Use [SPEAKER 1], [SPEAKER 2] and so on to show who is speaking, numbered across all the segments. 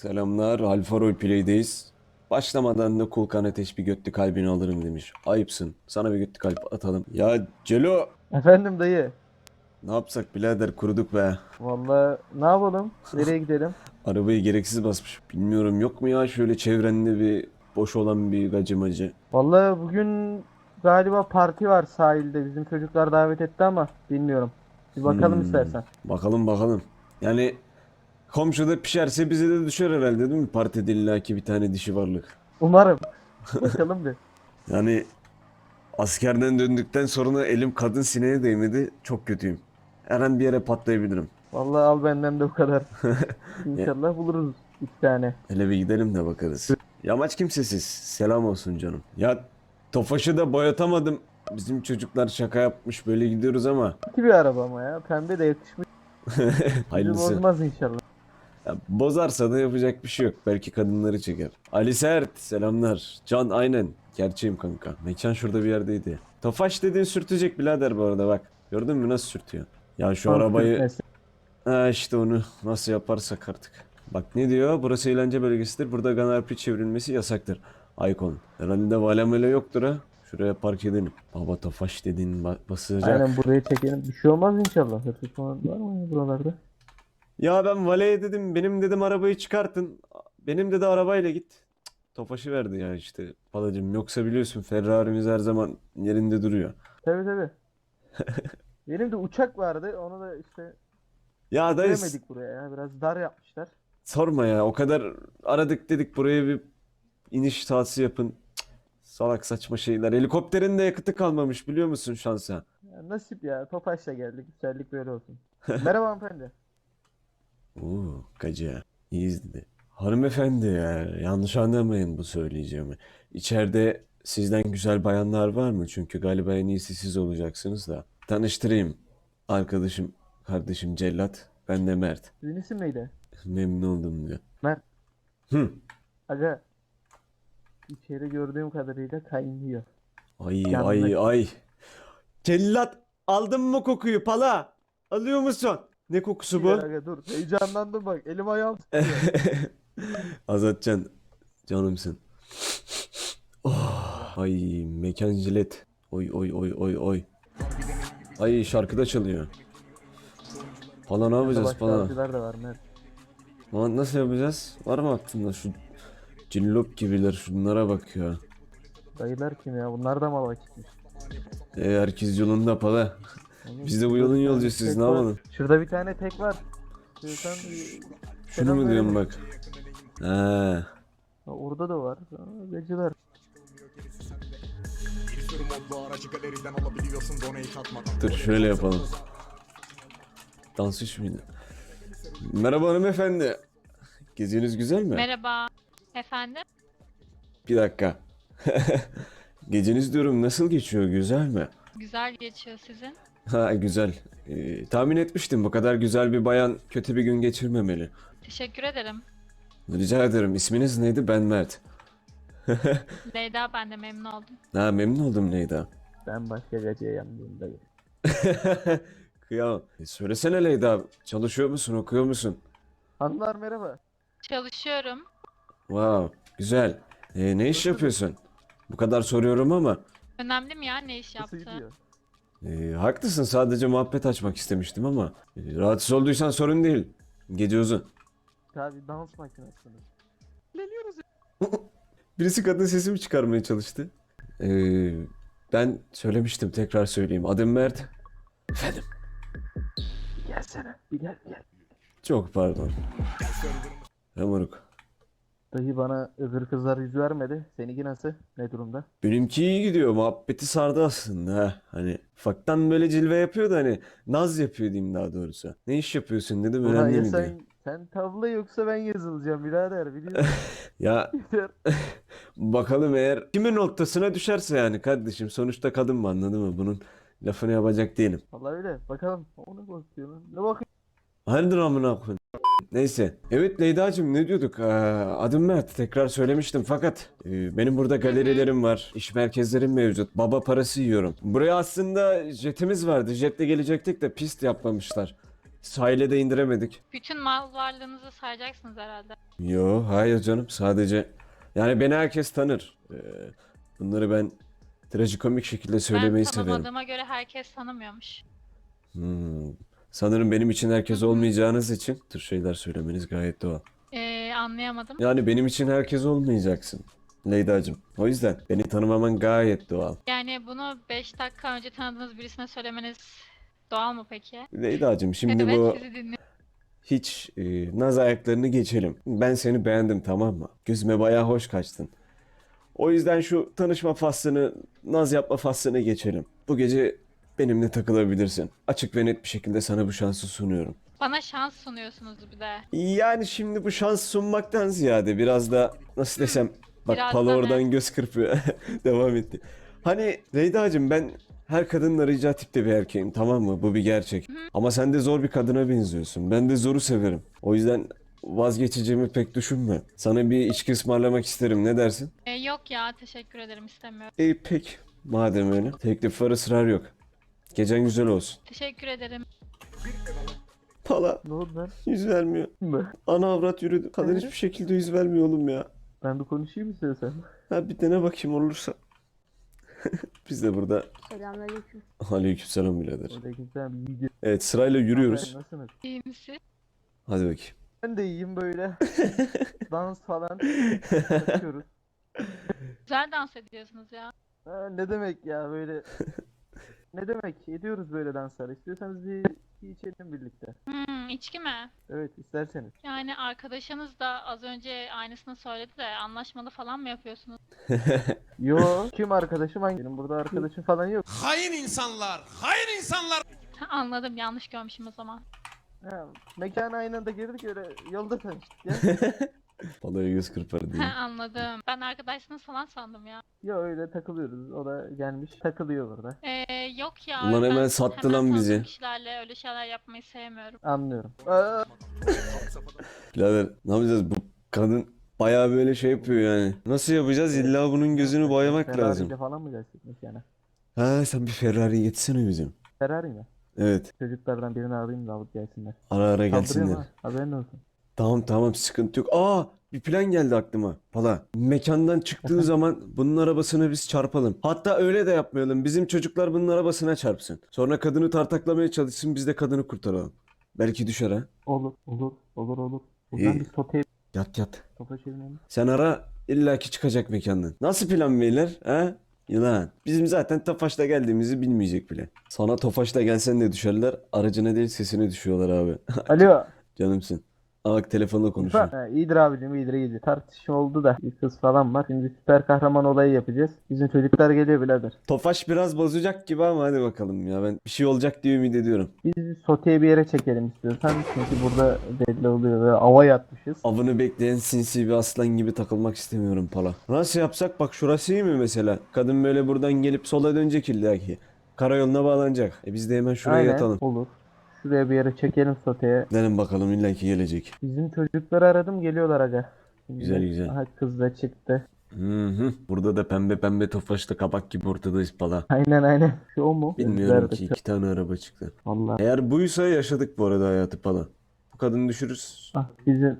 [SPEAKER 1] Selamlar, Alfa Roleplay'deyiz. Başlamadan da Kulkan Ateş bir götlü kalbini alırım demiş. Ayıpsın. Sana bir götlü kalp atalım. Ya Celo,
[SPEAKER 2] Efendim dayı.
[SPEAKER 1] ne yapsak birader, kuruduk be.
[SPEAKER 2] Vallahi ne yapalım? Nereye gidelim?
[SPEAKER 1] Arabayı gereksiz basmış. Bilmiyorum, yok mu ya şöyle çevrende bir boş olan bir gacımacı?
[SPEAKER 2] Vallahi bugün galiba parti var sahilde. Bizim çocuklar davet etti ama bilmiyorum. Bir bakalım istersen.
[SPEAKER 1] Bakalım bakalım. Yani komşuda pişerse bize de düşer herhalde, değil mi? Partide illaki bir tane dişi varlık.
[SPEAKER 2] Umarım. Bakalım bir.
[SPEAKER 1] Yani askerden döndükten sonra elim kadın sineğe değmedi. Çok kötüyüm. Her an bir yere patlayabilirim.
[SPEAKER 2] Vallahi al benden de o kadar.
[SPEAKER 1] Ya,
[SPEAKER 2] İnşallah buluruz iki tane.
[SPEAKER 1] hele bir gidelim de bakarız. Yamaç kimsesiz. Selam olsun canım. Ya Tofaş'ı da boyatamadım. Bizim çocuklar şaka yapmış, böyle gidiyoruz ama
[SPEAKER 2] İki bir araba ama ya. Pembe de yakışmış. Bizi
[SPEAKER 1] hayırlısı.
[SPEAKER 2] bozmaz inşallah.
[SPEAKER 1] Ya, bozarsa da yapacak bir şey yok. Belki kadınları çeker. Ali Sert selamlar. Can aynen. Gerçeğim kanka. Mekan şurada bir yerdeydi. Tofaş dediğin sürtecek birader bu arada bak. Gördün mü nasıl sürtüyor? Ya şu
[SPEAKER 2] Son
[SPEAKER 1] arabayı...
[SPEAKER 2] sürtmesi.
[SPEAKER 1] Ha işte onu nasıl yaparsak artık. Bak ne diyor? Burası eğlence bölgesidir. Burada ganarpi çevrilmesi yasaktır. Aykon. Herhalde valemele yoktur ha. Şuraya park edelim. Baba Tofaş dediğin
[SPEAKER 2] Aynen
[SPEAKER 1] basacak.
[SPEAKER 2] buraya çekelim. Bir şey olmaz inşallah. Hırsız falan var mı ya buralarda?
[SPEAKER 1] Ya ben valeye dedim. Benim dedim arabayı çıkartın. Benim dedi arabayla git. Cık, Tofaş'ı verdi ya işte. Palacım yoksa biliyorsun Ferrari'miz her zaman yerinde duruyor.
[SPEAKER 2] Tabii tabii. Benim de uçak vardı. Onu da işte
[SPEAKER 1] Ya dayı
[SPEAKER 2] getiremedik buraya ya. Biraz dar yapmışlar.
[SPEAKER 1] sorma ya. O kadar aradık dedik buraya bir iniş tahsisi yapın. Salak saçma şeyler. Helikopterin de yakıtı kalmamış biliyor musun şansa?
[SPEAKER 2] Ya nasip ya. Tofaş'la geldik. Güzellik böyle olsun. Merhaba hanımefendi.
[SPEAKER 1] Oo, gacı. İyiyiz dedi. Hanımefendi ya, yanlış anlamayın bu söyleyeceğimi. İçeride sizden güzel bayanlar var mı? Çünkü galiba en iyisi siz olacaksınız da. Tanıştırayım. Arkadaşım, kardeşim Cellat. Ben de Mert.
[SPEAKER 2] Sizin isim neydi?
[SPEAKER 1] Memnun oldum diyor.
[SPEAKER 2] Mert.
[SPEAKER 1] Hı.
[SPEAKER 2] Aga. İçeri gördüğüm kadarıyla kaynıyor.
[SPEAKER 1] Ay ay
[SPEAKER 2] Yanlış.
[SPEAKER 1] ay. Cellat aldın mı kokuyu pala? Alıyor musun? Ne kokusu
[SPEAKER 2] Ya
[SPEAKER 1] bu?
[SPEAKER 2] aga dur. Heyecanlandım bak. Elim ayağım titriyor.
[SPEAKER 1] Azatcan canımsın. Oh, ay mekan jilet. Oy oy oy oy oy. Ay şarkı da çalıyor. Falan ne
[SPEAKER 2] Yanında
[SPEAKER 1] yapacağız
[SPEAKER 2] başka
[SPEAKER 1] falan.
[SPEAKER 2] avcılar da var Mert.
[SPEAKER 1] Ama nasıl yapacağız? Var mı aklında şu cillop gibiler şunlara bak ya.
[SPEAKER 2] Dayılar kim ya? Bunlar da mı çıkmış?
[SPEAKER 1] Herkes yolunda pala.
[SPEAKER 2] Oğlum,
[SPEAKER 1] Biz de bu
[SPEAKER 2] şurada
[SPEAKER 1] yolun
[SPEAKER 2] bir tane
[SPEAKER 1] yolcusuyuz
[SPEAKER 2] tek
[SPEAKER 1] ne
[SPEAKER 2] var.
[SPEAKER 1] yapalım?
[SPEAKER 2] Şurada bir tane tek var. Sen
[SPEAKER 1] Şunu mu diyorum bak. He.
[SPEAKER 2] Orada da var. Gacılar.
[SPEAKER 1] Dur şöyle yapalım. Dansış mıydı? Merhaba hanımefendi. Geziniz güzel mi?
[SPEAKER 3] Merhaba. Efendim?
[SPEAKER 1] Bir dakika. Geceniz diyorum nasıl geçiyor, güzel mi?
[SPEAKER 3] Güzel geçiyor sizin.
[SPEAKER 1] Ha güzel. Tahmin etmiştim bu kadar güzel bir bayan kötü bir gün geçirmemeli.
[SPEAKER 3] Teşekkür ederim.
[SPEAKER 1] Rica ederim. İsminiz neydi? Ben Mert.
[SPEAKER 3] Leyda, ben de memnun oldum.
[SPEAKER 1] Ha memnun oldum Leyda.
[SPEAKER 2] Ben başka gacıya yandım dayı.
[SPEAKER 1] Kıyamam. Söylesene Leyda. Çalışıyor musun? Okuyor musun?
[SPEAKER 2] Hanımlar merhaba.
[SPEAKER 3] Çalışıyorum.
[SPEAKER 1] Wow. Güzel. Ne iş yapıyorsun? Bu kadar soruyorum ama.
[SPEAKER 3] Önemli mi ya ne iş
[SPEAKER 2] Nasıl
[SPEAKER 3] yaptığı?
[SPEAKER 2] gidiyor?
[SPEAKER 1] Haklısın. Sadece muhabbet açmak istemiştim ama. Rahatsız olduysan sorun değil. Gece uzun.
[SPEAKER 2] Tabii dans makinesi.
[SPEAKER 1] Birisi kadın sesimi çıkarmaya çalıştı. Ee, Ben söylemiştim, tekrar söyleyeyim. Adım Mert. Efendim.
[SPEAKER 2] Bir gelsene. Bir gel bir gel.
[SPEAKER 1] Çok pardon. Moruk.
[SPEAKER 2] Dayı bana öbür kızlar yüz vermedi. Seninki nasıl? Ne durumda?
[SPEAKER 1] Benimki iyi gidiyor. Muhabbeti sardı aslında ha. Hani ufaktan böyle cilve yapıyor da hani naz yapıyor diyeyim daha doğrusu. Ne iş yapıyorsun dedim,
[SPEAKER 2] Ulan
[SPEAKER 1] önemli
[SPEAKER 2] ya
[SPEAKER 1] mi diyor.
[SPEAKER 2] sen tavla yoksa ben yazılacağım birader biliyorsun.
[SPEAKER 1] Ya bakalım eğer kimin noktasına düşerse yani kardeşim. Sonuçta kadın mı, anladın mı? Bunun lafını yapacak değilim.
[SPEAKER 2] Vallahi öyle. Bakalım. O ne bakıyor lan? Ne bakıyor?
[SPEAKER 1] Hayırdır amına koyayım. Neyse. Evet Leyda'cığım ne diyorduk? Adım Mert. Tekrar söylemiştim fakat benim burada galerilerim var. İş merkezlerim mevcut. Baba parası yiyorum. Buraya aslında jetimiz vardı. Jetle gelecektik de pist yapmamışlar. sahile de indiremedik.
[SPEAKER 3] Bütün mal varlığınızı sayacaksınız herhalde.
[SPEAKER 1] Yo, hayır canım, sadece yani beni herkes tanır. Bunları ben trajikomik şekilde söylemeyi
[SPEAKER 3] Ben
[SPEAKER 1] severim.
[SPEAKER 3] tanımadığıma göre herkes tanımıyormuş.
[SPEAKER 1] Hmm. Sanırım benim için herkes olmayacağınız için bu tür şeyler söylemeniz gayet doğal.
[SPEAKER 3] Anlayamadım.
[SPEAKER 1] Yani benim için herkes olmayacaksın Leyda'cığım. O yüzden beni tanımaman gayet doğal.
[SPEAKER 3] Yani bunu 5 dakika önce tanıdığınız birisine söylemeniz doğal mı peki?
[SPEAKER 1] Leyda'cığım şimdi
[SPEAKER 3] Evet,
[SPEAKER 1] bu
[SPEAKER 3] sizi dinliyorum.
[SPEAKER 1] hiç naz ayaklarını geçelim. Ben seni beğendim, tamam mı? Gözüme bayağı hoş kaçtın. O yüzden şu tanışma faslını, naz yapma faslını geçelim. Bu gece benimle takılabilirsin. Açık ve net bir şekilde sana bu şansı sunuyorum.
[SPEAKER 3] Bana şans sunuyorsunuz bir de.
[SPEAKER 1] Yani şimdi bu şans sunmaktan ziyade biraz da nasıl desem, bak
[SPEAKER 3] Biraz
[SPEAKER 1] Pala
[SPEAKER 3] da
[SPEAKER 1] oradan
[SPEAKER 3] ne?
[SPEAKER 1] göz kırpıyor. Devam etti. Hani Leyda'cığım, ben her kadının arayacağı tipte bir erkeğim, tamam mı? Bu bir gerçek. Ama sen de zor bir kadına benziyorsun. Ben de zoru severim. O yüzden vazgeçeceğimi pek düşünme. Sana bir içki ısmarlamak isterim. Ne dersin?
[SPEAKER 3] Yok ya, teşekkür ederim, istemiyorum.
[SPEAKER 1] Pek. Madem öyle. Teklif var, ısrar yok. Gecen güzel olsun.
[SPEAKER 3] Teşekkür ederim.
[SPEAKER 1] Pala
[SPEAKER 2] Ne oldu lan?
[SPEAKER 1] yüz vermiyor.
[SPEAKER 2] Mı?
[SPEAKER 1] Ana avrat yürüdü. Kadın hiçbir şekilde yüz vermiyor oğlum ya.
[SPEAKER 2] Ben bir konuşayım istiyorsan.
[SPEAKER 1] Ha, bir dene bakayım olursa. Biz de burada.
[SPEAKER 4] Selamünaleyküm.
[SPEAKER 1] Aleykümselam birader.
[SPEAKER 2] Orada güzel bir video.
[SPEAKER 1] Evet, sırayla yürüyoruz.
[SPEAKER 2] Nasılsınız?
[SPEAKER 3] İyi misin?
[SPEAKER 1] Hadi bakayım.
[SPEAKER 2] Ben de iyiyim böyle. Dans falan yapıyoruz.
[SPEAKER 3] Güzel dans ediyorsunuz ya.
[SPEAKER 2] Ne demek ya böyle. Ne demek? Ediyoruz böyle danslar. İstiyorsanız bir içelim birlikte.
[SPEAKER 3] İçki mi?
[SPEAKER 2] Evet, isterseniz.
[SPEAKER 3] Yani arkadaşınız da az önce aynısını söyledi de anlaşmalı falan mı yapıyorsunuz?
[SPEAKER 2] Yo, kim arkadaşım hangi? Benim burada arkadaşım falan yok.
[SPEAKER 5] Hain insanlar, hain insanlar.
[SPEAKER 3] Anladım, yanlış görmüşüm o zaman.
[SPEAKER 2] Ha, mekana aynı anda girdik öyle yolda tanıştık ya.
[SPEAKER 1] Palaya göz kırpar diye.
[SPEAKER 3] Anladım. Ben arkadaşsınız falan sandım ya.
[SPEAKER 2] Yo öyle takılıyoruz. O da gelmiş takılıyor burada.
[SPEAKER 3] Yok ya.
[SPEAKER 1] Ulan
[SPEAKER 3] ben
[SPEAKER 1] hemen sattı
[SPEAKER 3] hemen
[SPEAKER 1] lan
[SPEAKER 3] tanıdığım
[SPEAKER 1] bizi.
[SPEAKER 3] kişilerle öyle şeyler yapmayı sevmiyorum.
[SPEAKER 2] Anlıyorum.
[SPEAKER 1] Birader, ne yapacağız? Bu kadın bayağı böyle şey yapıyor yani. Nasıl yapacağız? İlla bunun gözünü boyamak
[SPEAKER 2] Ferrari
[SPEAKER 1] lazım.
[SPEAKER 2] ile falan mı gelsek mekana?
[SPEAKER 1] Ha, sen bir Ferrari getirsene bizim.
[SPEAKER 2] Ferrari mi?
[SPEAKER 1] Evet.
[SPEAKER 2] Çocuklardan birini alayım da alıp gelsinler.
[SPEAKER 1] Ara ara
[SPEAKER 2] Kaldırıyorum
[SPEAKER 1] gelsinler.
[SPEAKER 2] ha, haberin olsun.
[SPEAKER 1] Tamam tamam, sıkıntı yok. Aa, bir plan geldi aklıma. Pala. Mekandan çıktığı zaman bunun arabasına biz çarpalım. Hatta öyle de yapmayalım. Bizim çocuklar bunun arabasına çarpsın. Sonra kadını tartaklamaya çalışsın, biz de kadını kurtaralım. Belki düşer ha.
[SPEAKER 2] Olur. Buradan
[SPEAKER 1] İyi.
[SPEAKER 2] bir soteye
[SPEAKER 1] Yat yat.
[SPEAKER 2] topa çevirelim.
[SPEAKER 1] Sen ara, illaki çıkacak mekandan. Nasıl plan beyler? Ha? Yılan. Bizim zaten Tofaş'ta geldiğimizi bilmeyecek bile. Sana Tofaş'ta gelsen de düşerler. Aracına değil sesine düşüyorlar abi.
[SPEAKER 2] Alo.
[SPEAKER 1] Canımsın. Aa, bak telefonla konuşuyor.
[SPEAKER 2] Ha, iyidir abicim iyidir. Tartışma oldu da bir kız falan var. Şimdi süper kahraman olayı yapacağız. Bizim çocuklar geliyor birader.
[SPEAKER 1] Tofaş biraz bozacak gibi ama hadi bakalım ya. Ben bir şey olacak diye ümit ediyorum.
[SPEAKER 2] Biz soteye bir yere çekelim istiyorsan. Çünkü burada belli oluyor ve ava yatmışız.
[SPEAKER 1] Avını bekleyen sinsi bir aslan gibi takılmak istemiyorum Pala. Nasıl yapsak? Bak şurası iyi mi mesela? Kadın böyle buradan gelip sola dönecek illaki. Karayoluna bağlanacak. Biz de hemen şuraya
[SPEAKER 2] Aynen
[SPEAKER 1] yatalım.
[SPEAKER 2] olur. Şuraya bir yere çekelim soteye.
[SPEAKER 1] Gidelim bakalım, illaki gelecek.
[SPEAKER 2] Bizim çocukları aradım geliyorlar aga. Şimdi
[SPEAKER 1] Güzel, güzel.
[SPEAKER 2] Aha kız da çıktı.
[SPEAKER 1] Hı. Burada da pembe pembe Tofaş'ta kabak gibi ortadayız Pala.
[SPEAKER 2] Aynen. Şu o mu?
[SPEAKER 1] Bilmiyorum
[SPEAKER 2] Nerede?
[SPEAKER 1] ki, 2 tane araba çıktı.
[SPEAKER 2] Vallahi.
[SPEAKER 1] Eğer buysa yaşadık bu arada hayatı Pala. Bu kadını düşürürüz.
[SPEAKER 2] Bizim.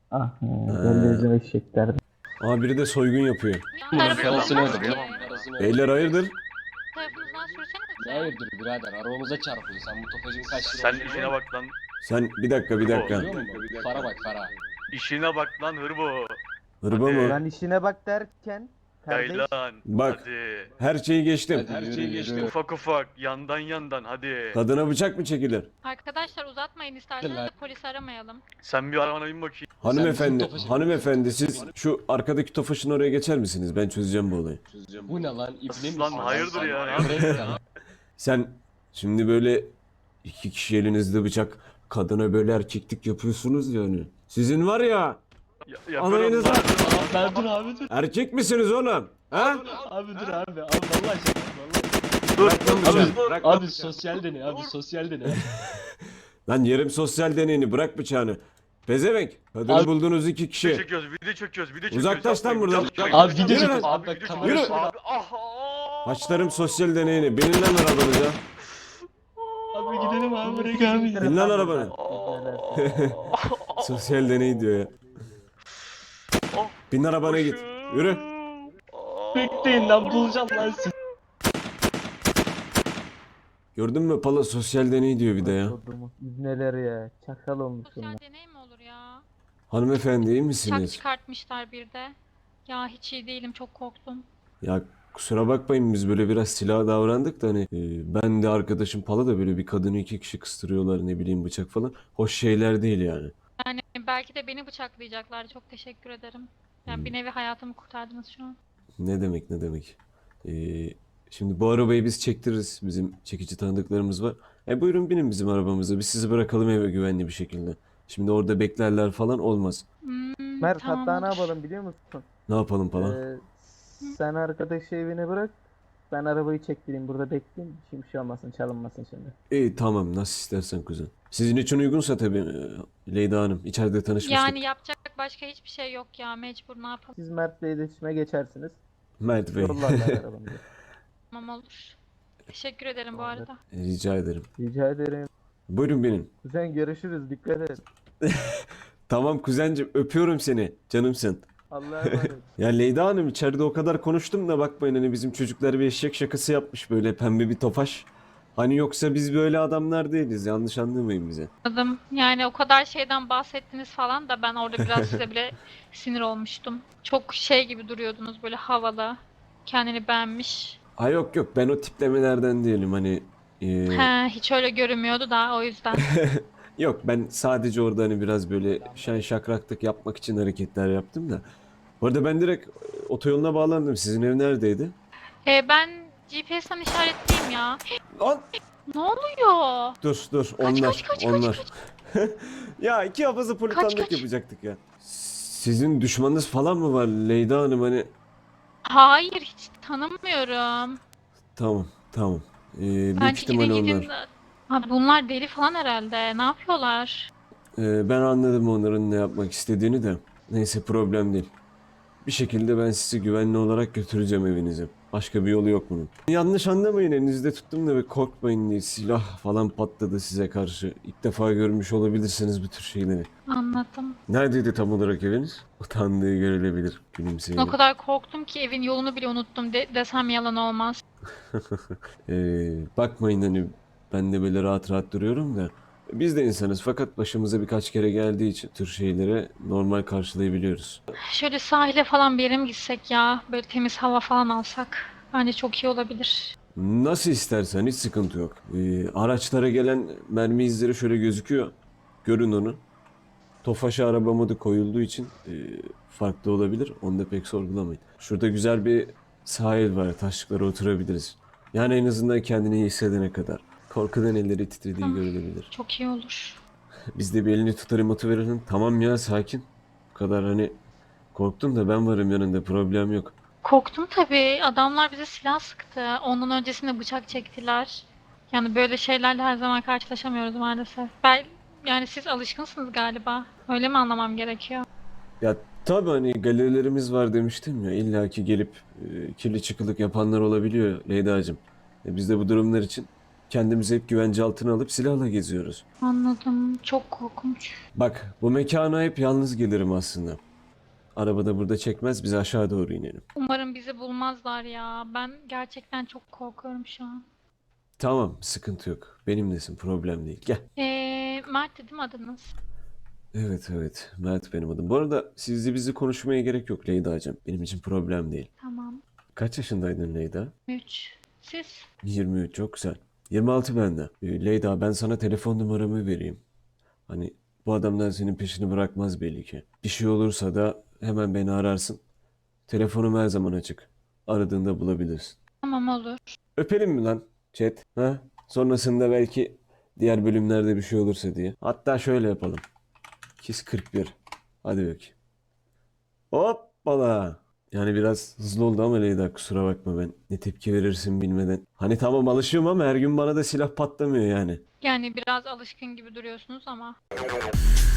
[SPEAKER 2] Belli bizim eşekler.
[SPEAKER 1] Aa, biri de soygun yapıyor.
[SPEAKER 6] Karısını
[SPEAKER 3] Tarafınızdan
[SPEAKER 6] öldürüyor.
[SPEAKER 3] ki.
[SPEAKER 6] Karısını öldürüyor.
[SPEAKER 1] Beyler hayırdır?
[SPEAKER 3] Tarafınızdan sürsenize.
[SPEAKER 6] Hayırdır birader arabamıza çarpıyor. Sen bu topacın kaç lira
[SPEAKER 7] Sen
[SPEAKER 6] olduğunu
[SPEAKER 7] işine
[SPEAKER 6] biliyor
[SPEAKER 7] bak lan.
[SPEAKER 1] Sen bir dakika.
[SPEAKER 6] musun? Biliyor musun? Fara bak fara.
[SPEAKER 7] İşine bak lan hırbo.
[SPEAKER 1] Hırba
[SPEAKER 7] Hadi.
[SPEAKER 1] mı?
[SPEAKER 2] Ben işine bak derken. kardeş,
[SPEAKER 7] Yaylan.
[SPEAKER 1] Bak.
[SPEAKER 7] Hadi.
[SPEAKER 1] Her şeyi geçtim.
[SPEAKER 6] Hadi yürü.
[SPEAKER 7] Ufak ufak yandan hadi.
[SPEAKER 1] Kadına bıçak mı çekilir?
[SPEAKER 3] Arkadaşlar uzatmayın isterseniz de polis aramayalım.
[SPEAKER 7] Sen bir arabana bin bakayım.
[SPEAKER 1] Hanımefendi,
[SPEAKER 6] bizim Tofaş'ı
[SPEAKER 1] hanımefendi siz şu arkadaki Tofaş'ın oraya geçer misiniz? Ben çözeceğim bu olayı.
[SPEAKER 6] Bu ne lan? İbne misin?
[SPEAKER 7] Lan hayırdır ya?
[SPEAKER 6] Bırak lan.
[SPEAKER 1] Sen şimdi böyle 2 kişi elinizde bıçak, kadına böyle erkeklik yapıyorsunuz yani. Sizin var ya,
[SPEAKER 7] Yaparım
[SPEAKER 1] anayınıza
[SPEAKER 7] lan.
[SPEAKER 6] Abi dur abi dur.
[SPEAKER 1] erkek misiniz oğlum? Ha?
[SPEAKER 6] Abi dur abi. Abi vallahi şaka. Vallahi.
[SPEAKER 7] Dur.
[SPEAKER 1] Bırak lan bıçağı, bırak lan.
[SPEAKER 6] Abi sosyal deney abi sosyal deney.
[SPEAKER 1] Lan yerim sosyal deneyini, bırak bıçağını. Pezevenk, kadını
[SPEAKER 6] Abi-
[SPEAKER 1] buldunuz 2
[SPEAKER 7] Video
[SPEAKER 1] kişi.
[SPEAKER 7] çekiyoruz, video çekiyoruz.
[SPEAKER 1] Uzaklaş lan buradan.
[SPEAKER 6] Abi video
[SPEAKER 1] Yürü
[SPEAKER 6] çekiyor.
[SPEAKER 1] lan.
[SPEAKER 6] Abi bak
[SPEAKER 7] Yürü.
[SPEAKER 6] kamera şurada.
[SPEAKER 7] Abi ah.
[SPEAKER 1] Başlarım sosyal deneyini, binin lan arabanıza.
[SPEAKER 6] Abi gidelim. gidelim abi bırak abi.
[SPEAKER 1] Bin lan arabana.
[SPEAKER 2] Neler.
[SPEAKER 1] Sosyal deney diyor ya. Bin arabana git. Yürü.
[SPEAKER 6] Bekleyin lan bulacağım lan sizi.
[SPEAKER 1] Gördün mü Pala, sosyal deney diyor bir de ya.
[SPEAKER 2] Neler ya. Çakal olmuş bunlar.
[SPEAKER 3] Sosyal deney mi olur ya?
[SPEAKER 1] Hanımefendi iyi
[SPEAKER 3] Bıçak
[SPEAKER 1] misiniz?
[SPEAKER 3] çıkartmışlar bir de. Ya hiç iyi değilim, çok korktum.
[SPEAKER 1] Ya kusura bakmayın, biz böyle biraz silah davrandık da hani ben de arkadaşım Pala da böyle bir kadını iki kişi kıstırıyorlar, ne bileyim bıçak falan. Hoş şeyler değil yani.
[SPEAKER 3] Yani belki de beni bıçaklayacaklar. Çok teşekkür ederim. Yani bir nevi hayatımı kurtardınız şu an.
[SPEAKER 1] Ne demek ne demek. E, Şimdi bu arabayı biz çektiririz. Bizim çekici tanıdıklarımız var. Buyurun binin bizim arabamıza. Biz sizi bırakalım eve güvenli bir şekilde. Şimdi orada beklerler falan olmaz.
[SPEAKER 2] Mert
[SPEAKER 3] Tamam,
[SPEAKER 2] hatta ne
[SPEAKER 3] olur.
[SPEAKER 2] yapalım biliyor musun?
[SPEAKER 1] Ne yapalım Pala?
[SPEAKER 2] Sen arkadaşı evine bırak. Ben arabayı çektireyim burada bekleyeyim. Şimdi bir şey olmasın, çalınmasın şimdi.
[SPEAKER 1] İyi tamam, nasıl istersen kuzen. Sizin için uygunsa tabii Leyla Hanım. İçeride tanışmıştık.
[SPEAKER 3] Yani yapacak başka hiçbir şey yok ya. Mecbur, ne yapalım.
[SPEAKER 2] Siz Mert'le iletişime geçersiniz.
[SPEAKER 1] Mert Bey.
[SPEAKER 2] Yollarlar arabamızı.
[SPEAKER 3] Tamam, olur. Teşekkür ederim bu arada.
[SPEAKER 1] Rica ederim.
[SPEAKER 2] Rica ederim.
[SPEAKER 1] Buyurun binin.
[SPEAKER 2] Kuzen görüşürüz. Dikkat et.
[SPEAKER 1] Tamam kuzencim, öpüyorum seni. Canımsın.
[SPEAKER 2] Allah'a emanet.
[SPEAKER 1] Ya Leyla Hanım, içeride o kadar konuştum da bakmayın, hani bizim çocuklar bir eşek şakası yapmış, böyle pembe bir tofaş. Hani yoksa biz böyle adamlar değiliz, yanlış anlamayın bize.
[SPEAKER 3] Anladım. Yani o kadar şeyden bahsettiniz falan da ben orada biraz size bile sinir olmuştum. Çok şey gibi duruyordunuz, böyle havalı. Kendini beğenmiş.
[SPEAKER 1] Ha yok yok, ben o tiplemelerden değilim hani.
[SPEAKER 3] He, hiç öyle görünmüyordu da o yüzden.
[SPEAKER 1] Yok, ben sadece orada hani biraz böyle şen şakraklık yapmak için hareketler yaptım da. Bu arada ben direkt otoyoluna bağlandım. Sizin ev neredeydi?
[SPEAKER 3] Ben GPS'ten işaretliyim ya.
[SPEAKER 1] Lan
[SPEAKER 3] Ne oluyor?
[SPEAKER 1] dur onlar
[SPEAKER 3] kaç,
[SPEAKER 1] onlar. Ya iki hafızı politanlık
[SPEAKER 3] kaç.
[SPEAKER 1] yapacaktık ya. Sizin düşmanınız falan mı var Leyla Hanım, hani?
[SPEAKER 3] Hayır, hiç tanımıyorum.
[SPEAKER 1] Tamam. Büyük
[SPEAKER 3] Bence
[SPEAKER 1] ihtimal
[SPEAKER 3] gidin
[SPEAKER 1] onlar.
[SPEAKER 3] gidin. Abi bunlar deli falan herhalde. Ne yapıyorlar?
[SPEAKER 1] Ben anladım onların ne yapmak istediğini de. Neyse, problem değil. Bir şekilde ben sizi güvenli olarak götüreceğim evinize. Başka bir yolu yok bunun. Yanlış anlamayın, elinizde tuttum da ve korkmayın diye silah falan patladı size karşı. İlk defa görmüş olabilirsiniz bu tür şeyleri.
[SPEAKER 3] Anladım.
[SPEAKER 1] Neredeydi tam olarak eviniz? Utandığı görülebilir gülümseyle.
[SPEAKER 3] O kadar korktum ki evin yolunu bile unuttum desem yalan olmaz.
[SPEAKER 1] Bakmayın, hani ben de böyle rahat rahat duruyorum da. Biz de insanız, fakat başımıza birkaç kere geldiği için tür şeylere normal karşılayabiliyoruz.
[SPEAKER 3] Şöyle sahile falan bir yere mi gitsek ya? Böyle temiz hava falan alsak. Bence çok iyi olabilir.
[SPEAKER 1] Nasıl istersen, hiç sıkıntı yok. Araçlara gelen mermi izleri şöyle gözüküyor. Görün onu. Tofaş'a araba modu koyulduğu için farklı olabilir. Onu da pek sorgulamayın. Şurada güzel bir sahil var. Taşlıklara oturabiliriz. Yani en azından kendini iyi hissedene kadar. Korkudan elleri titrediği
[SPEAKER 3] Tamam.
[SPEAKER 1] görülebilir.
[SPEAKER 3] Çok iyi olur.
[SPEAKER 1] Biz de bir elini tutar emotu verelim. Tamam ya, sakin. Bu kadar hani korktun da ben varım yanında, problem yok.
[SPEAKER 3] Korktum tabii. Adamlar bize silah sıktı. Ondan öncesinde bıçak çektiler. Yani böyle şeylerle her zaman karşılaşamıyoruz maalesef. Yani siz alışkınsınız galiba. Öyle mi anlamam gerekiyor?
[SPEAKER 1] Ya tabii, hani galerilerimiz var demiştim ya, illaki gelip kirli çıkılık yapanlar olabiliyor Leyda'cığım. Biz de bu durumlar için kendimizi hep güvence altına alıp silahla geziyoruz.
[SPEAKER 3] Anladım. Çok korkunç.
[SPEAKER 1] Bak, bu mekana hep yalnız gelirim aslında. Arabada burada çekmez, biz aşağı doğru inelim.
[SPEAKER 3] Umarım bizi bulmazlar ya. Ben gerçekten çok korkuyorum şu an.
[SPEAKER 1] Tamam, sıkıntı yok. Benimlesin, problem değil. Gel.
[SPEAKER 3] Mert dedim adınız.
[SPEAKER 1] Evet, Mert benim adım. Bu arada sizle bizi konuşmaya gerek yok Leyda'cığım. Benim için problem değil.
[SPEAKER 3] Tamam.
[SPEAKER 1] Kaç yaşındaydın Leyda?
[SPEAKER 3] 3. Siz?
[SPEAKER 1] 23, çok güzel. 26 bende. Leyda, ben sana telefon numaramı vereyim. Hani bu adamdan senin peşini bırakmaz belli ki. Bir şey olursa da hemen beni ararsın. Telefonum her zaman açık. Aradığında bulabilirsin.
[SPEAKER 3] Tamam, olur.
[SPEAKER 1] Öpelim mi lan chat? Ha? Sonrasında belki diğer bölümlerde bir şey olursa diye. Hatta şöyle yapalım. Kiss 41. Hadi bakayım. Hoppala. Yani biraz hızlı oldu ama Leyda, kusura bakma, ben ne tepki verirsin bilmeden. Hani tamam, alışığım ama her gün bana da silah patlamıyor yani.
[SPEAKER 3] Yani biraz alışkın gibi duruyorsunuz ama.